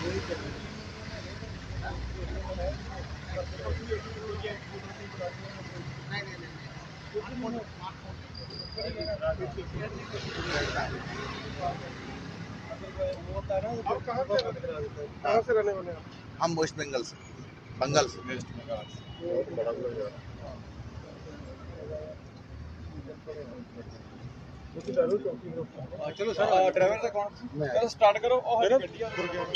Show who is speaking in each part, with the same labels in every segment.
Speaker 1: कहाँ से रहने वाले हैं?
Speaker 2: हम वेस्ट बंगाल से, बंगाल से।
Speaker 1: वेस्ट बंगाल से।
Speaker 3: चलो सर, ड्राइवर से कौन? चलो स्टार्ट करो और गड्डियां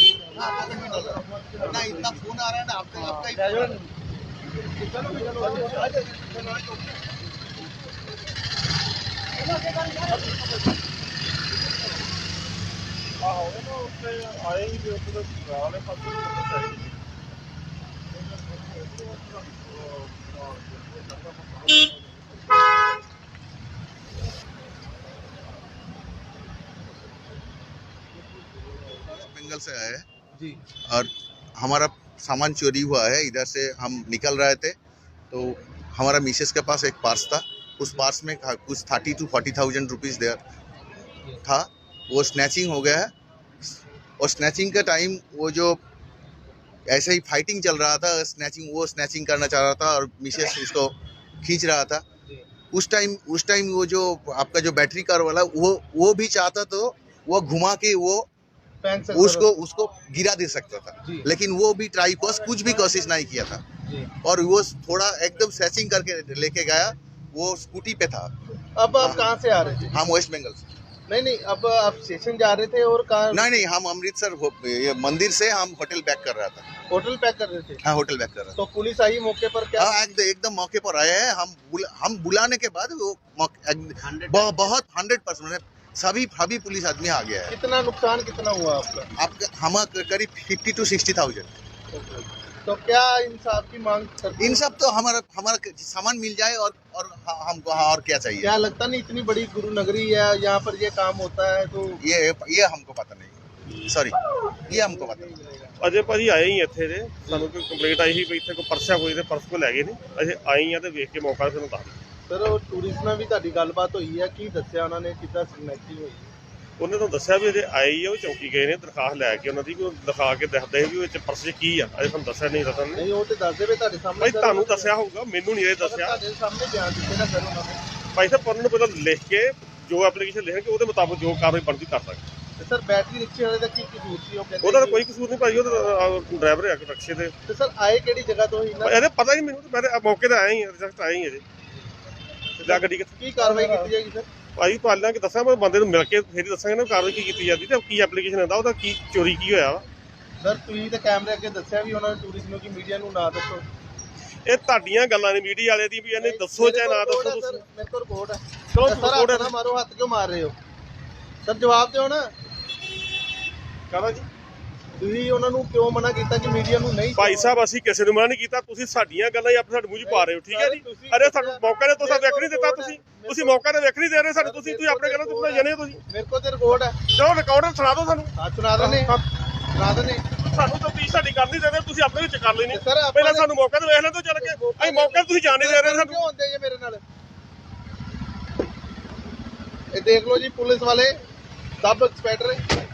Speaker 2: ना इतना फोन आ रहा है ना आपका
Speaker 1: आए ही जो वाले
Speaker 2: बंगाल से आए हैं
Speaker 3: जी।
Speaker 2: और हमारा सामान चोरी हुआ है। इधर से हम निकल रहे थे तो हमारा मिसेस के पास एक पर्स था। उस पर्स में कुछ 30 to 40,000 रुपीज़ देयर था। वो स्नैचिंग हो गया है और स्नैचिंग का टाइम वो जो ऐसे ही फाइटिंग चल रहा था, स्नैचिंग करना चाह रहा था और मिसेस उसको खींच रहा था। उस टाइम वो जो आपका जो बैटरी कार वाला वो भी चाहता तो वो घुमा के वो उसको गिरा दे सकता था, लेकिन वो भी कुछ भी कोशिश नहीं किया था और वो थोड़ा एकदम सैचिंग करके लेके गया। वो स्कूटी पे था।
Speaker 3: अब आप कहाँ से आ रहे थे?
Speaker 2: हम वेस्ट बंगाल से।
Speaker 3: नहीं, अब आप स्टेशन जा रहे थे और कहाँ?
Speaker 2: नहीं, हम अमृतसर ये मंदिर से हम होटल बैक कर रहा था।
Speaker 3: होटल पैक कर रहे थे?
Speaker 2: हाँ, होटल बैक कर रहा था।
Speaker 3: तो पुलिस आई मौके पर क्या?
Speaker 2: हाँ, एकदम मौके पर आए हैं। हम बुलाने के बाद वो बहुत 100% सभी पुलिस आदमी आ गया है।
Speaker 3: कितना नुकसान कितना हुआ आपका?
Speaker 2: हम करीब 50 to 60,000।
Speaker 3: तो क्या इंसाफ की मांग करते?
Speaker 2: इंसाफ तो हमारा सामान मिल जाए और हमको और क्या चाहिए।
Speaker 3: क्या लगता नहीं इतनी बड़ी गुरु नगरी है, यहाँ पर ये काम होता है तो
Speaker 2: ये हमको पता नहीं, सॉरी, ये हमको पता नहीं।
Speaker 1: ਅਜੇ ਭਾਜੀ ਆਏ ਹੀ ਇੱਥੇ ਦੇ ਸਾਨੂੰ ਕੋਈ ਕੰਪਲੇਂਟ ਆਈ ਸੀ ਵੀ ਇੱਥੇ ਕੋਈ ਪਰਸ ਆ ਕੋਈ ਤੇ ਪਰਸ ਕੋ ਲੈ ਗਏ ਨੇ। ਅਸੀਂ ਆਏ ਆ ਤੇ ਵੇਖ ਕੇ ਮੌਕਾ ਸਾਨੂੰ ਦੱਸ ਦਿਓ।
Speaker 3: ਸਰ ਉਹ ਟੂਰਿਸਟ ਨਾਲ ਵੀ ਤੁਹਾਡੀ ਗੱਲਬਾਤ ਹੋਈ ਹੈ, ਕੀ ਦੱਸਿਆ ਉਹਨਾਂ ਨੇ, ਕਿੱਦਾਂ ਸਿਗਨੇਚਰ ਹੋਈ?
Speaker 1: ਉਹਨੇ ਤਾਂ ਦੱਸਿਆ ਵੀ ਅਜੇ ਆਏ ਹੀ ਆ, ਉਹ ਚੌਕੀ ਗਏ ਨੇ ਦਰਖਾਸਤ ਲੈ ਕੇ ਉਹਨਾਂ ਦੀ, ਵੀ ਉਹ ਦਿਖਾ ਕੇ ਦੱਸਦੇ ਵੀ ਉਹ ਵਿੱਚ ਪਰਸ 'ਚ ਕੀ ਆ। ਅਜੇ ਤੁਹਾਨੂੰ ਦੱਸਿਆ ਨਹੀਂ ਰਤਨ ਨੇ।
Speaker 3: ਨਹੀਂ ਉਹ ਤੇ ਦੱਸਦੇ ਵੇ ਤੁਹਾਡੇ ਸਾਹਮਣੇ।
Speaker 1: ਭਾਈ ਤੁਹਾਨੂੰ ਦੱਸਿਆ ਹੋਊਗਾ, ਮੈਨੂੰ ਨਹੀਂ ਇਹ ਦੱਸਿਆ।
Speaker 3: ਤੁਹਾਡੇ ਸਾਹਮਣੇ ਬਿਆਨ ਦਿੱਤੇ ਨਾ ਸਰ ਉਹਨਾਂ ਨੇ।
Speaker 1: ਭਾਈ ਸਾਹਿਬ ਉਹਨਾਂ ਨੂੰ ਪਹਿਲਾਂ ਲਿਖ ਕੇ ਜੋ ਐਪਲੀਕੇਸ਼ਨ ਲਿਖਣਗੇ ਉਹਦੇ ਮੁਤਾਬਕ ਜੋ ਕਾਰਵਾਈ ਬਣਦੀ ਕਰ ਸਕਦੇ।
Speaker 3: ਤੇ ਸਰ ਬੈਟਰੀ ਰਿਕਸ਼ੇ ਵਾਲੇ ਦਾ ਕੀ ਕਸੂਰ ਸੀ? ਉਹ ਕਹਿੰਦੇ
Speaker 1: ਉਹਦਾ ਤਾਂ ਕੋਈ ਕਸੂਰ ਨਹੀਂ ਭਾਈ, ਉਹ ਡਰਾਈਵਰ ਹੈ ਰਿਕਸ਼ੇ ਦੇ।
Speaker 3: ਤੇ ਸਰ ਆਏ ਕਿਹੜੀ ਜਗ੍ਹਾ ਤੋਂ ਸੀ ਨਾ?
Speaker 1: ਇਹਦੇ ਪਤਾ ਹੀ ਮੈਨੂੰ, ਮੈਂ ਮੌਕੇ ਤੇ ਆਇਆ ਹੀ ਰਿਜ਼ਲਟ ਆਇਆ ਹੀ ਅਜੇ। ਜਾ ਗੱਡੀ ਕਿੱਥੇ?
Speaker 3: ਕੀ ਕਾਰਵਾਈ ਕੀਤੀ ਜਾਏਗੀ ਸਰ?
Speaker 1: ਭਾਈ ਪਾਲਾਂ ਕਿ ਦੱਸਾਂ, ਮੈਂ ਬੰਦੇ ਨੂੰ ਮਿਲ ਕੇ ਫੇਰ ਹੀ ਦੱਸਾਂਗੇ ਨਾ ਕਾਰਵਾਈ ਕੀ ਕੀਤੀ ਜਾਂਦੀ ਤੇ ਕੀ ਐਪਲੀਕੇਸ਼ਨ ਆਉਂਦਾ, ਉਹਦਾ ਕੀ ਚੋਰੀ ਕੀ ਹੋਇਆ ਵਾ।
Speaker 3: ਸਰ ਤੁਸੀਂ ਤੇ ਕੈਮਰੇ ਅੱਗੇ ਦੱਸਿਆ ਵੀ ਉਹਨਾਂ ਨੇ ਟੂਰਿਸਟ ਨੂੰ ਕਿ ਮੀਡੀਆ ਨੂੰ ਨਾ ਦੱਸੋ।
Speaker 1: ਇਹ ਤੁਹਾਡੀਆਂ ਗੱਲਾਂ ਨੇ ਮੀਡੀਆ ਵਾਲੇ ਦੀ, ਵੀ ਇਹਨੇ ਦੱਸੋ ਚਾਹੇ ਨਾ ਦੱਸੋ ਤੁਸੀਂ।
Speaker 3: ਮੇਰੇ ਕੋਲ ਰਿਪੋਰਟ ਹੈ।
Speaker 1: ਚਲੋ
Speaker 3: ਸਰ
Speaker 1: ਰਿਪੋਰਟ
Speaker 3: ਨਾ ਮਾਰੋ, ਹੱਥ ਕਿਉਂ ਮਾਰ ਰਹੇ ਹੋ? ਸਰ ਜਵਾਬ ਦਿਓ ਨਾ।
Speaker 1: ਕਹਦਾ ਜੀ
Speaker 3: ਤੁਸੀਂ ਉਹਨਾਂ ਨੂੰ ਕਿਉਂ ਮਨਾ ਕੀਤਾ ਕਿ ਮੀਡੀਆ ਨੂੰ ਨਹੀਂ?
Speaker 1: ਭਾਈ ਸਾਹਿਬ ਅਸੀਂ ਕਿਸੇ ਨੂੰ ਮਨਾ ਨਹੀਂ ਕੀਤਾ, ਤੁਸੀਂ ਸਾਡੀਆਂ ਗੱਲਾਂ ਹੀ ਆਪਣੇ ਸਾਡੇ ਮੂੰਹ 'ਚ ਪਾ ਰਹੇ ਹੋ, ਠੀਕ ਹੈ ਜੀ। ਅਰੇ ਸਾਨੂੰ ਮੌਕਾ ਦੇ ਤੁਸੀਂ ਵੇਖ ਨਹੀਂ ਦਿੱਤਾ, ਤੁਸੀਂ ਮੌਕਾ ਤੇ ਵੇਖ ਨਹੀਂ ਦੇ ਰਹੇ ਸਾਨੂੰ, ਤੁਸੀਂ ਆਪਣੇ ਗੱਲਾਂ ਤੋਂ ਜਾਣੇ ਹੋ ਤੁਸੀਂ।
Speaker 3: ਮੇਰੇ ਕੋਲ ਤੇ ਰਿਕਾਰਡ ਹੈ।
Speaker 1: ਚਲੋ ਰਿਕਾਰਡ ਸੁਣਾ ਦਿਓ ਸਾਨੂੰ।
Speaker 3: ਹਾਂ ਸੁਣਾ ਦਿੰਦੇ
Speaker 1: ਸਾਨੂੰ ਤਾਂ ਪਲੀਜ਼ ਸਾਡੀ ਗੱਲ ਨਹੀਂ ਦੇ ਰਹੇ, ਤੁਸੀਂ ਆਪਣੇ ਵਿੱਚ ਕਰ ਲੈਣੀ।
Speaker 3: ਸਰ
Speaker 1: ਪਹਿਲਾਂ ਸਾਨੂੰ ਮੌਕਾ ਤੇ ਵੇਖ ਲੈਣ ਤੋਂ ਚੱਲ ਕੇ, ਅਸੀਂ ਮੌਕਾ ਤੁਸੀਂ ਜਾਣ ਨਹੀਂ ਦੇ ਰਹੇ ਸਾਨੂੰ।
Speaker 3: ਕਿਉਂ ਹੁੰਦੇ ਜੀ ਮੇਰੇ ਨਾਲ? ਇਹ ਦੇਖ ਲਓ ਜੀ ਪੁਲਿਸ ਵਾਲੇ ਸਬ ਇੰਸਪੈਕਟਰ